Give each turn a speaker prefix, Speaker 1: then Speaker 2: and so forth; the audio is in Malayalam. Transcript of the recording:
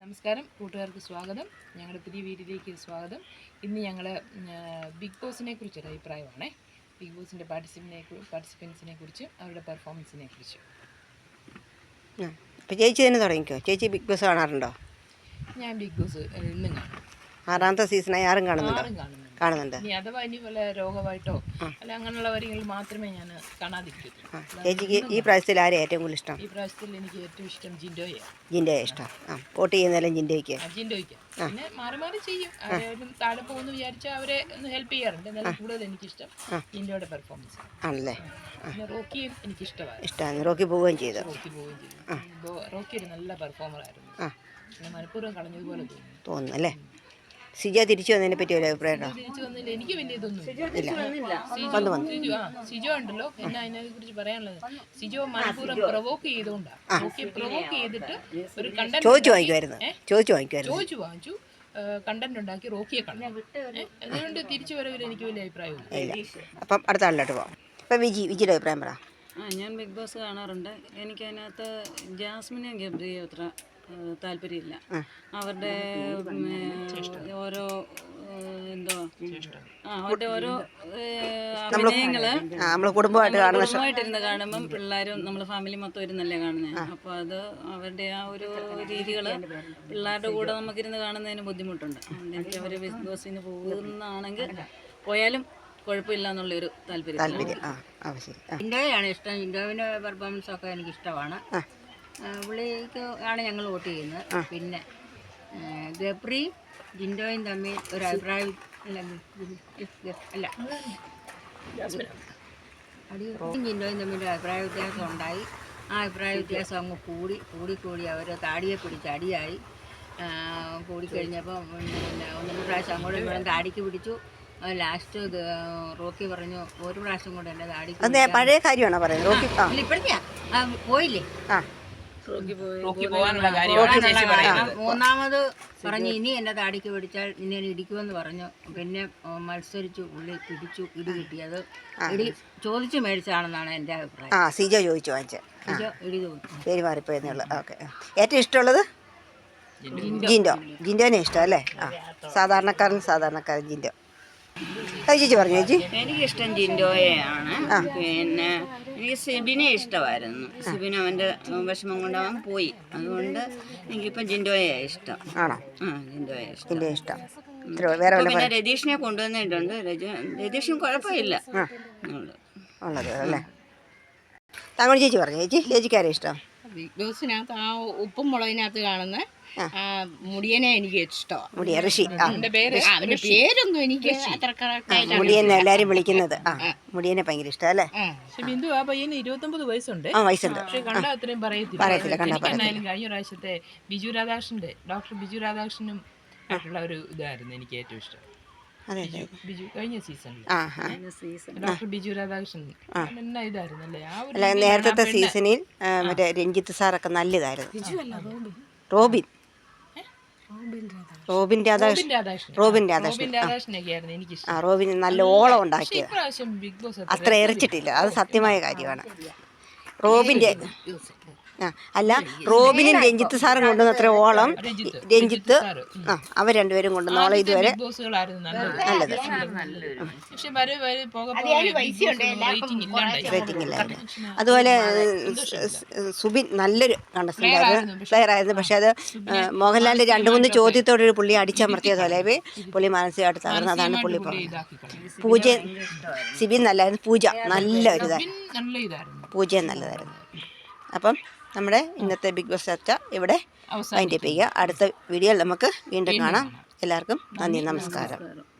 Speaker 1: നമസ്കാരം കൂട്ടുകാർക്ക് സ്വാഗതം. ഞങ്ങളുടെ പുതിയ വീഡിയോയിലേക്ക് സ്വാഗതം. ഇന്ന് ഞങ്ങൾ ബിഗ് ബോസിനെ കുറിച്ചൊരു അഭിപ്രായമാണ്. ബിഗ് ബോസിൻ്റെ പാർട്ടിസിപ്പൻസിനെ കുറിച്ചും അവരുടെ പെർഫോമൻസിനെ കുറിച്ചും.
Speaker 2: അപ്പോൾ ചേച്ചി തന്നെ തുടങ്ങിക്കോ. ചേച്ചി ബിഗ് ബോസ് കാണാറുണ്ടോ?
Speaker 1: ഞാൻ ബിഗ് ബോസ് ഇന്നും കാണും.
Speaker 2: 6ാമത്തെ സീസണായി ആരും കാണുന്നുണ്ടോ? കാണുന്നുണ്ട്.
Speaker 1: ഇനി അഥവാ ഇനി വല്ല രോഗമായിട്ടോ അല്ല അങ്ങനെയുള്ള കാര്യങ്ങൾ മാത്രമേ ഞാൻ കാണാതിരിക്കത്തുള്ളൂ.
Speaker 2: ചേച്ചിക്ക് ഈ പ്രാവശ്യത്തിൽ ആരെയും ഏറ്റവും കൂടുതൽ ഇഷ്ടം?
Speaker 1: ഈ പ്രാവശ്യത്തിൽ എനിക്ക് ഏറ്റവും ഇഷ്ടം ജിൻഡോയാണ്.
Speaker 2: ജിൻഡോയെ ഇഷ്ടം. വോട്ട് ചെയ്യുന്നതിലും ജിൻഡോയ്ക്ക്.
Speaker 1: പിന്നെ മാറി മാറി ചെയ്യും. അവരും താഴെ പോകുന്നു വിചാരിച്ചാൽ അവരെ ഒന്ന് ഹെൽപ്പ് ചെയ്യാറുണ്ട്. എന്നാലും കൂടുതൽ എനിക്കിഷ്ടം ജിൻഡോയുടെ പെർഫോമൻസ് ആണല്ലേ. പിന്നെ റോക്കിയും എനിക്കിഷ്ടമാണ്.
Speaker 2: റോക്കി പോവുകയും ചെയ്തു.
Speaker 1: റോക്കി ഒരു നല്ല പെർഫോമറായിരുന്നു. പിന്നെ മനഃപൂർവ്വം കളഞ്ഞതുപോലെ
Speaker 2: തോന്നുന്നു അല്ലേ. സിജോ തിരിച്ചു വന്നതിനെ പറ്റി ഒരു അഭിപ്രായം ഉണ്ടോ?
Speaker 1: തിരിച്ചു വന്നില്ല, എനിക്ക് വലിയ ഇതൊന്നും സിജോ ഉണ്ടല്ലോ. പിന്നെ അതിനെ കുറിച്ച് പറയാനുള്ളത്, സിജോ മനഃപൂർവ്വം പ്രൊവോക്ക് ചെയ്തുകൊണ്ടാണ്. പ്രൊവോക്ക് ചെയ്തിട്ട് ഒരു കണ്ടന്റ്
Speaker 2: ചോദിച്ചു വാങ്ങിച്ചു
Speaker 1: കണ്ടന്റ് ഉണ്ടാക്കി റോക്കിയെ കളഞ്ഞു. അതുകൊണ്ട് തിരിച്ചു വരവിൽ എനിക്ക് വലിയ അഭിപ്രായമില്ല.
Speaker 2: അപ്പം അടുത്ത ആളിലോട്ട് പോവാം. അപ്പം വിജിയുടെ അഭിപ്രായം പറ.
Speaker 3: ഞാൻ ബിഗ് ബോസ് കാണാറുണ്ട്. എനിക്കതിനകത്ത് ജാസ്മിനെ ഗബ്രിയെ അത്ര താല്പര്യമില്ല. അവരുടെ ഓരോ അവരുടെ ഓരോ അഭിനയങ്ങള് കുടുംബമായിട്ടിരുന്ന് കാണുമ്പം പിള്ളേരും നമ്മൾ ഫാമിലി മൊത്തം ഇരുന്നല്ലേ കാണുന്നത്. അപ്പോൾ അത് അവരുടെ ആ ഒരു രീതികള് പിള്ളേരുടെ കൂടെ നമുക്കിരുന്ന് കാണുന്നതിന് ബുദ്ധിമുട്ടുണ്ട്. അതുകൊണ്ട് എനിക്ക് അവർ ബിഗ് ബോസിന് പോകുന്നതാണെങ്കിൽ പോയാലും കുഴപ്പമില്ല എന്നുള്ളൊരു താല്പര്യം.
Speaker 4: ജിൻഡോയാണ് ഇഷ്ടം. ജിൻഡോവിൻ്റെ പെർഫോമൻസ് ഒക്കെ എനിക്ക് ഇഷ്ടമാണ്. പുള്ളിക്ക് ആണ് ഞങ്ങൾ വോട്ട് ചെയ്യുന്നത്. പിന്നെ ഗബ്രി ജിൻഡോയും തമ്മിൽ ഒരു അഭിപ്രായം ജിൻഡോയും തമ്മിൽ ഒരു അഭിപ്രായ വ്യത്യാസം ഉണ്ടായി. ആ അഭിപ്രായ വ്യത്യാസം അങ്ങ് കൂടി അവർ താടിയെ പിടിച്ച് അടിയായി. കൂടിക്കഴിഞ്ഞപ്പോൾ പിന്നെ 1-2 പ്രാവശ്യം അങ്ങോട്ടും ഇങ്ങോട്ടും താടിക്ക് പിടിച്ചു. ലാസ്റ്റ് റോക്കി പറഞ്ഞു ഒരു പ്രാവശ്യം കൂടെ എൻ്റെ താടിക്ക്
Speaker 2: പഴയ കാര്യമാണോ പറയുന്നത്?
Speaker 4: ഇപ്പോഴത്തെയാ പോയില്ലേ. മൂന്നാമത് പറഞ്ഞു ഇനി എന്നെ താടിക്ക് പിടിച്ചാൽ നിന്നെ ഇടിക്കുമെന്ന് പറഞ്ഞു. പിന്നെ മത്സരിച്ചു, പുള്ളി പിടിച്ചു, ഇടി കിട്ടിയത് ഇടി ചോദിച്ചു മേടിച്ചാണെന്നാണ് എൻ്റെ അഭിപ്രായം.
Speaker 2: സിജോ ചോദിച്ചു വാങ്ങിച്ച
Speaker 4: ഇടി ചോദിച്ചു.
Speaker 2: പേര് മാറിപ്പോയെന്നുള്ളു. ഓക്കെ. ഏറ്റവും ഇഷ്ടമുള്ളത് ജിൻഡോനെ ഇഷ്ടം അല്ലേ? സാധാരണക്കാരൻ ജിൻഡോ. ചേച്ചി പറഞ്ഞു. ചേച്ചി
Speaker 3: എനിക്കിഷ്ടം ജിൻഡോയെയാണ്. പിന്നെ എനിക്ക് സിബിനെ ഇഷ്ടമായിരുന്നു. സിബിന് അവൻ്റെ വിഷമം കൊണ്ട് അവൻ പോയി. അതുകൊണ്ട് എനിക്കിപ്പം ജിൻഡോയെ ഇഷ്ടം.
Speaker 2: ആണോ?
Speaker 3: ജിൻഡോയെ
Speaker 2: ഇഷ്ടം.
Speaker 3: പിന്നെ രതീഷിനെ കൊണ്ടുവന്നിട്ടുണ്ട്. രതീഷിനും കുഴപ്പമില്ല
Speaker 2: ഉള്ളത് അല്ലേ. താങ്കൾ ചേച്ചി പറഞ്ഞു. ചേച്ചിക്കാരെ ഇഷ്ടം?
Speaker 5: ബിഗ് ബോസിനകത്ത് ആ ഉപ്പും മുളകിനകത്ത് കാണുന്ന മുടിയനെ എനിക്ക് ഇഷ്ടമാണ്.
Speaker 2: ഋഷി.
Speaker 5: അവന്റെ പേരൊന്നും എനിക്ക് അത്ര കറക്റ്റായിട്ട്
Speaker 2: മുടിയനെ എല്ലാരും വിളിക്കുന്നത്. മുടിയനെ ഭയങ്കര ഇഷ്ടം അല്ലേ.
Speaker 1: ബിന്ദു ആ പയ്യന് 29 വയസ്സുണ്ട്.
Speaker 2: പക്ഷെ
Speaker 1: കണ്ടാ അത്രയും പറയത്തില്ല. എന്നാലും കഴിഞ്ഞ പ്രാവശ്യത്തെ ഡോക്ടർ ബിജു രാധാകൃഷ്ണനും ആയിട്ടുള്ള ഒരു ഇതായിരുന്നു എനിക്ക് ഏറ്റവും ഇഷ്ടം. കഴിഞ്ഞ സീസണിൽ ഡോക്ടർ ബിജു രാധാകൃഷ്ണൻ എന്നാ ഇതായിരുന്നു അല്ലേ.
Speaker 2: അല്ല, നേരത്തെ സീസണിൽ മറ്റേ രഞ്ജിത്ത് സാറൊക്കെ നല്ലതായിരുന്നു. റോബിൻ രാധാകൃഷ്ണനൊക്കെയായിരുന്നു എനിക്കിഷ്ടം. റോബിൻ നല്ല ഓളം ഉണ്ടാക്കിയത്. അത്ര എറിച്ചിട്ടില്ല, അത് സത്യമായ കാര്യമാണ്. റോബിൻ്റെ റോബിനും രഞ്ജിത്ത് സാറും കൊണ്ടുവന്ന അത്ര ഓളം രഞ്ജിത്ത് അവർ രണ്ടുപേരും കൊണ്ടുവന്ന ഓളം ഇതുവരെ നല്ലത്. റേറ്റിംഗ് ഇല്ലായിരുന്നു. അതുപോലെ സുബിൻ നല്ലൊരു പ്ലെയർ ആയിരുന്നു. പക്ഷെ അത് മോഹൻലാലിൻ്റെ 2-3 ചോദ്യത്തോടൊരു പുള്ളി അടിച്ചമർത്തിയതുപോലെ പുള്ളി മാനസികമായിട്ട് തകർന്നു. അതാണ് പുള്ളി പൂജ. സിബിൻ നല്ലായിരുന്നു. പൂജ നല്ലൊരു നല്ലതായിരുന്നു. അപ്പം നമ്മുടെ ഇന്നത്തെ ബിഗ് ബോസ് ചർച്ച ഇവിടെ വൈൻഡപ്പ് ചെയ്യുക. അടുത്ത വീഡിയോയിൽ നമുക്ക് വീണ്ടും കാണാം. എല്ലാവർക്കും നന്ദി, നമസ്കാരം.